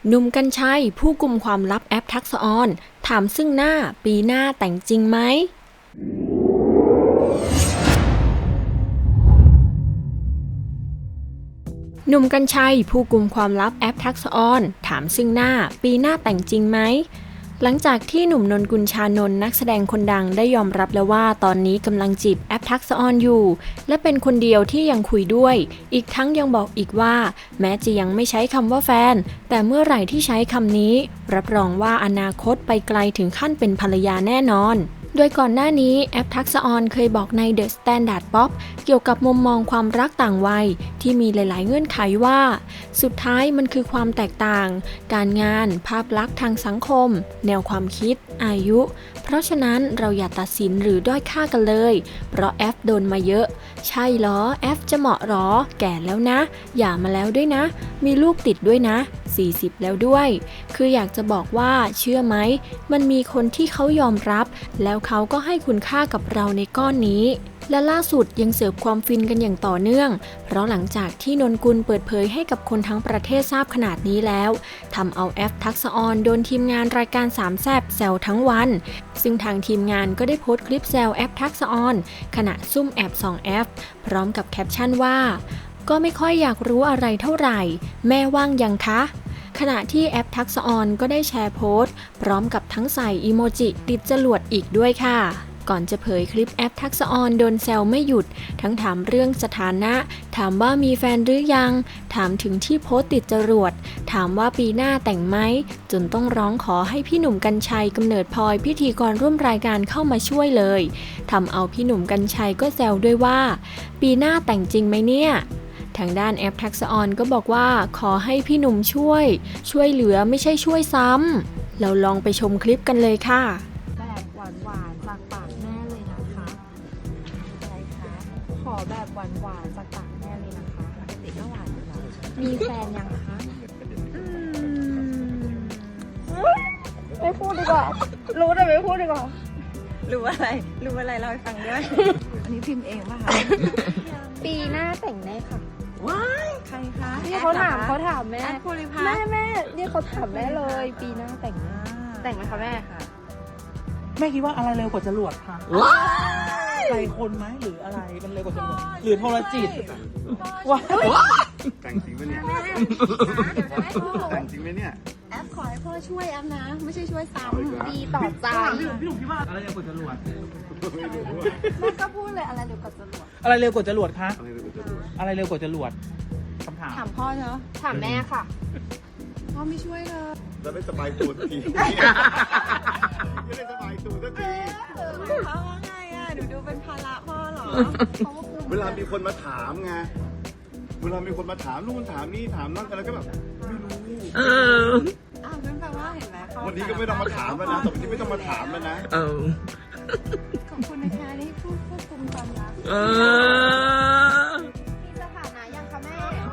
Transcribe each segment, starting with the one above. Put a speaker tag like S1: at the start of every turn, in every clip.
S1: หนุ่มกรรชัยผู้กุมความลับแอปทักษะออนถามซึ่งหน้าปีหน้าแต่งจริงไหมหนุ่มกรรชัยผู้กุมความลับแอปทักษะออนถามซึ่งหน้าปีหน้าแต่งจริงไหมหลังจากที่หนุ่มนนกุลชานนท์นักแสดงคนดังได้ยอมรับแล้วว่าตอนนี้กำลังจีบแอปทักษะออนอยู่และเป็นคนเดียวที่ยังคุยด้วยอีกทั้งยังบอกอีกว่าแม้จะยังไม่ใช้คำว่าแฟนแต่เมื่อไหร่ที่ใช้คำนี้รับรองว่าอนาคตไปไกลถึงขั้นเป็นภรรยาแน่นอนโดยก่อนหน้านี้แอปทักษะออนเคยบอกใน The Standard Pop เกี่ยวกับมุมมองความรักต่างวัยที่มีหลายๆเงื่อนไขว่าสุดท้ายมันคือความแตกต่างการงานภาพลักษณ์ทางสังคมแนวความคิดอายุเพราะฉะนั้นเราอย่าตัดสินหรือด้อยค่ากันเลยเพราะแอฟโดนมาเยอะใช่เหรอแอฟจะเหมาะหรอแก่แล้วนะหย่ามาแล้วด้วยนะมีลูกติดด้วยนะ40แล้วด้วยคืออยากจะบอกว่าเชื่อไหมมันมีคนที่เขายอมรับแล้วเขาก็ให้คุณค่ากับเราในก้อนนี้และล่าสุดยังเสิร์ฟความฟินกันอย่างต่อเนื่องเพราะหลังจากที่นนกุลเปิดเผยให้กับคนทั้งประเทศทราบขนาดนี้แล้วทำเอาแอฟทักษะออนโดนทีมงานรายการสามแซ่บแซวทั้งวันซึ่งทางทีมงานก็ได้โพสต์คลิปแซวแอฟทักษะออนขณะซุ่มแอบส่องแอฟพร้อมกับแคปชั่นว่าก็ไม่ค่อยอยากรู้อะไรเท่าไหร่แม่ว่างยังคะขณะที่แอปทักษะออนก็ได้แชร์โพสต์พร้อมกับทั้งใส่อีโมจิติดจรวดอีกด้วยค่ะก่อนจะเผยคลิปแอปทักษะออนโดนแซวไม่หยุดทั้งถามเรื่องสถานะถามว่ามีแฟนหรือยังถามถึงที่โพสต์ติดจรวดถามว่าปีหน้าแต่งไหมจนต้องร้องขอให้พี่หนุ่มกรรชัยกำเนิดพลอยพิธีกรร่วมรายการเข้ามาช่วยเลยทำเอาพี่หนุ่มกรรชัยก็แซวด้วยว่าปีหน้าแต่งจริงไหมเนี่ยทางด้านแอปทักษะออนก็บอกว่าขอให้พี่หนุ่มช่วยเหลือไม่ใช่ช่วยซ้ำเราลองไปชมคลิปกันเลยค่ะ
S2: แบบหวานๆจากปากแม่เลยนะคะอะไรคะขอแบบหวานๆจากปากแม่เลยนะคะปกติก็หวานอยู่แล้วมีแฟนยังคะไม่พูดดีกว่ารู้แต่ไม่พูดดีกว่ารู้อะไรเล่าให้ฟังด้วยอันนี้พิมพ์เองป่ะคะปีหน้าแต่งแน่ค่ะว้ายใครคะนี่เขาถามแม่แม่นี่เขาถามแม่เลยปีหน้าแต่งไหมคะแม่ค่ะ
S3: แม่คิดว่าอะไรเร็วกว่าจรวดคะใจคนไหมหรืออะไรมันเร็วกว่าจรวดหรือโทรจิตว้า
S4: แต่งจริงไหมเนี่ยแต่งจริงไหมเนี่ย
S2: แอปขอให้พ่อช่วยแอปนะไม่ใช่ช่วยซ้ำดีต่อใจ
S3: พี่หนุ่มคิดว่าอะไรเร็วกว่าจรวด
S2: แม่ก็พูดเลยอะไรเร็วกว่าจรวด
S3: อะไรเร็วกว่าจรวดคะอะไรเร็วกว่าจรวดคำถาม
S2: ถามพ่อเนอะถามแม่ค่ะพ่อไม่ช่วยเลย
S4: จะไม่สบายตัวสักทีไม่ได้สบายตัวสักที
S2: พ่อว่าไงอ่ะหนูดูเป็นภาระพ่อเหรอ
S4: เวลามีคนมาถามไงเวลามีคนมาถามนู่นถามนี่ถามนั่นอะไรก็แบบไม่รู้
S2: นั่นแปลว่าเห็นไหม
S4: วันนี้ก็ไม่ต้องมาถามแล้วนะต่อไปนี้ไม่ต้องมาถามแล้วนะ
S2: ขอบคุณนะคะที่พูดควบคุมความรักมีสถานะยังคะแม่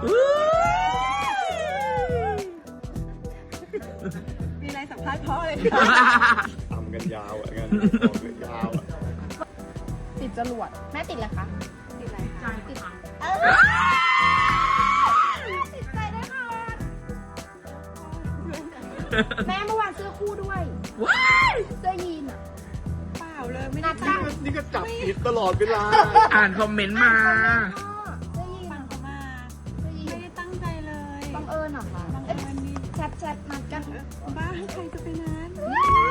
S2: มีอะไรสัมภาษณ์พ่อเลย
S4: ทำกันยาวอ่ะกันยาวอ่ะ
S2: ติดจรวดแม่ติดอะไรคะติดอะไรคะติดติดใจได้ค่ะแม่เมื่อวานเสื้อคู่ด้วยเสื้อยีนอ่ะเปล่าเลยไม่ได้ตั้ง
S4: นี่ก็จับผิดตลอดเวลา
S3: อ่านคอมเมนต์มา
S2: เสื้อยีนฟังเขามาไม่ได้ตั้งใจเลยบังเอิญเหรอคะแชทนัดกันบ้าให้ใครจะไปนั้น